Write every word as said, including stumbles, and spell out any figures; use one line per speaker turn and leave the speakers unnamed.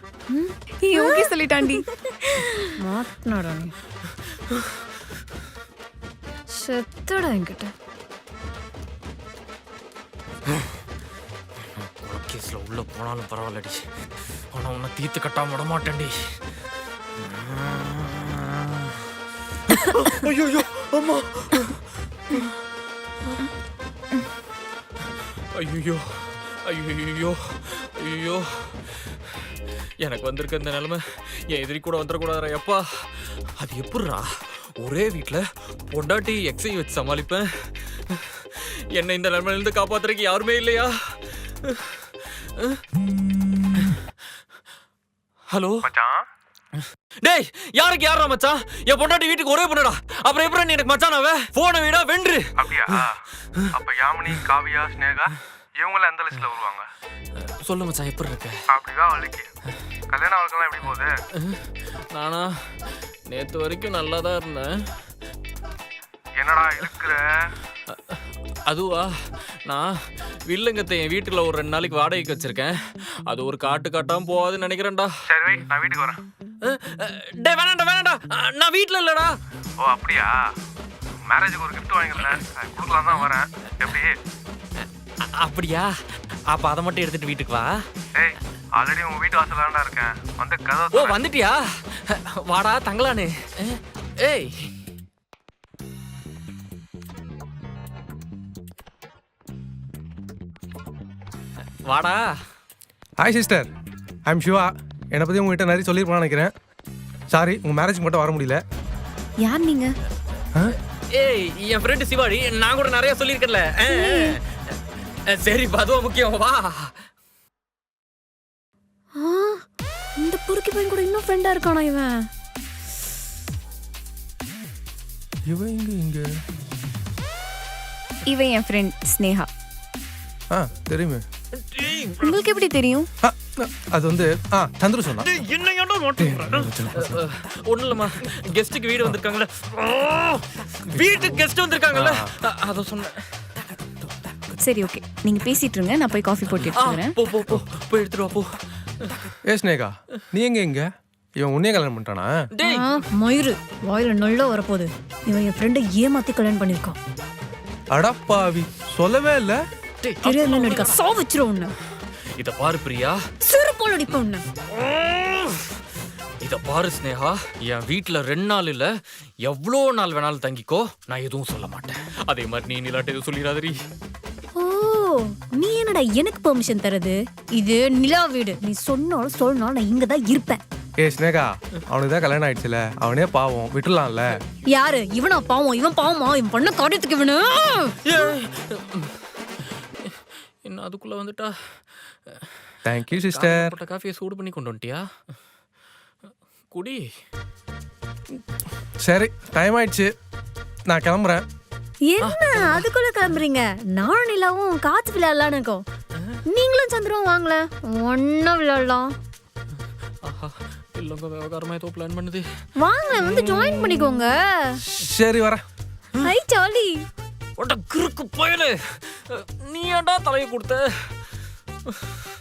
Okay சொல்லிட்டாண்டி. மாட்டனடா நீ. செத்தடா என்கிட்ட.
கேஸ்ல உள்ள போனாலும் பரவாயில்லடி, ஆனா உன்னை தீர்த்து கட்டாம விட மாட்டேன்டி. ஐயோ அம்மா, ஐயோ ஐயோ ஐயோ, எனக்கு வந்திருக்க இந்த நிலைமை என் எதிரி கூட வந்துடக்கூடாதுரா எப்பா. அது எப்படிரா ஒரே வீட்டில் பொண்டாட்டி எக்ஸை வச்சு சமாளிப்பேன்? என்னை இந்த நிலைமையிலிருந்து காப்பாத்துறதுக்கு யாருமே இல்லையா? ஹலோ
மச்சான்.
டேய், யாருக்கு யாரா மச்சான்? என் பொண்டாட்டி வீட்டுக்கு ஒரே பொண்ணுடா, அப்புறம் எப்படி நீ எனக்கு மச்சான்? அவ போன வீடா வென்று.
அப்படியா? அப்ப யாமினி, காவியா, ஸ்னேகா இவங்கள எந்த லிஸ்ட்ல வருவாங்க?
சொல்லு மச்சான், எப்படி இருக்க?
அப்படிதான் வலிக்கு. கல்யாணம் அவளுக்கெல்லாம் எப்படி போகுது?
நானா நேத்து வரைக்கும் நல்லா தான் இருந்தேன்.
என்னடா இருக்கிற?
அதுவா, நான் வில்லங்கத்தை என் வீட்டுல ஒரு ரெண்டு நாளைக்கு வாடகைக்கு வச்சிருக்கேன். அது ஒரு காட்டு காட்டாம போகாதுன்னு நினைக்கிறேன்டா.
சரி வை, நான் வீட்டுக்கு வரேன்.
டே வேணாண்டா வேணாண்டா, நான் வீட்டுல இல்லடா.
ஓ அப்படியா? மேரேஜுக்கு ஒரு கிஃப்ட் வாங்கிருந்தேன், கொடுக்கலாம் தான் வரேன். எப்படி?
அப்படியா? அப்ப அதை மட்டும் எடுத்துட்டு வீட்டுக்கு வா.
ஏய், ஆல்ரெடி உங்க வீட்டு வாசல்ல தான்டா இருக்கேன், வந்து
ஓ
கதவை.
வந்துட்டியா? வாடா தங்கலானு. ஏய் வாடா.
Hi sister, I am Siva. என்னை பற்றி உங்ககிட்ட நிறைய சொல்லியிருப்பான்னு நினைக்கிறேன். சாரி, உங்கள் மேரேஜுக்கு மட்டும் வர முடியல.
யார் நீங்க?
ஏய், என் ஃப்ரெண்டு சிவாடி, நான் கூட நிறைய சொல்லியிருக்கேன்ல. சரி, அதுவும் முக்கியம். வா.
இந்த புருக்கி பையன் கூட இன்னும் ஃப்ரெண்டா இருக்கானா இவன்?
இவன் இங்க இங்க
இவன் என் ஃப்ரெண்ட் ஸ்னேகா.
ஆ தெரியுமே.
உங்களுக்கு எப்படி தெரியும்?
ஆ, அது வந்து ஆ சந்துரு சொன்னா.
ஒன்றும் இல்லைம்மா, கெஸ்ட்டுக்கு வீடு வந்திருக்காங்கல்ல, வீட்டுக்கு கெஸ்ட் வந்திருக்காங்கல்ல, அதை சொன்னேன்.
சரி ஓகே, நீங்க பேசிட்டு இருங்க, நான் போய் காஃபி போட்டு எடுத்து வரேன்.
போ போ போ போய் எடுத்துட்டு வா போ.
ஏ ஸ்னேகா, நீ எங்க இங்க? இவன் உன்னையே கல்யாணம் பண்ணிட்டானா?
டேய்
மயிறு வாயில நல்லா வரப்போகுது. இவன் என் ஃப்ரெண்டை ஏமாத்தி கல்யாணம் பண்ணிருக்கான்.
அடப்பாவி, சொல்லவே இல்ல.
தெரியாதுல நடிக்க சா வச்சிரும் உன்னை.
இத பாரு பிரியா,
சிறுபால் அடிப்ப உன்னை.
இத பாரு ஸ்னேகா, என் வீட்டுல ரெண்டு நாள் இல்ல எவ்வளோ நாள் வேணாலும் தங்கிக்கோ, நான் எதுவும் சொல்ல மாட்டேன். அதே மாதிரி நீ நிலாட்ட எதுவும் சொல்லிடாதரி.
ஓ, நீ என்னடா எனக்கு பெர்மிஷன் தரது? இது நிலா வீடு, நீ சொன்னாலும் சொல்லனாலும் நான் இங்க தான் இருப்பேன்.
ஏ ஸ்னேகா, அவனுக்கு தான் கல்யாணம் ஆயிடுச்சுல, அவனே பாவம், விட்டுலாம்ல.
யாரு இவனா பாவம்? இவன் பாவமா? இவன் பண்ண காரியத்துக்கு இவனு.
என்ன அதுக்குள்ள வந்துட்டா?
Thank you sister.
போட்ட காஃபியை சூடு பண்ணி கொண்டு வந்துட்டியா? குடி.
சரி, டைம் ஆயிடுச்சு, நான் கிளம்புறேன்.
என்ன அதுக்குள்ள கிளம்புறீங்க? நானும் நிலாவும் காத்து விளையாடலான்னு இருக்கோம். நீங்களும் சந்திரவும் வாங்கல, ஒன்னும் விளையாடலாம்.
ஆஹா, இல்லங்க விவகாரமா ஏதோ பிளான் பண்ணுது.
வாங்க வந்து ஜாயின் பண்ணிக்கோங்க.
சரி வரேன்.
ஐ ஜாலி.
ஒட்ட கிறுக்கு பயலே, நீ ஏன்டா தலையை கொடுத்த?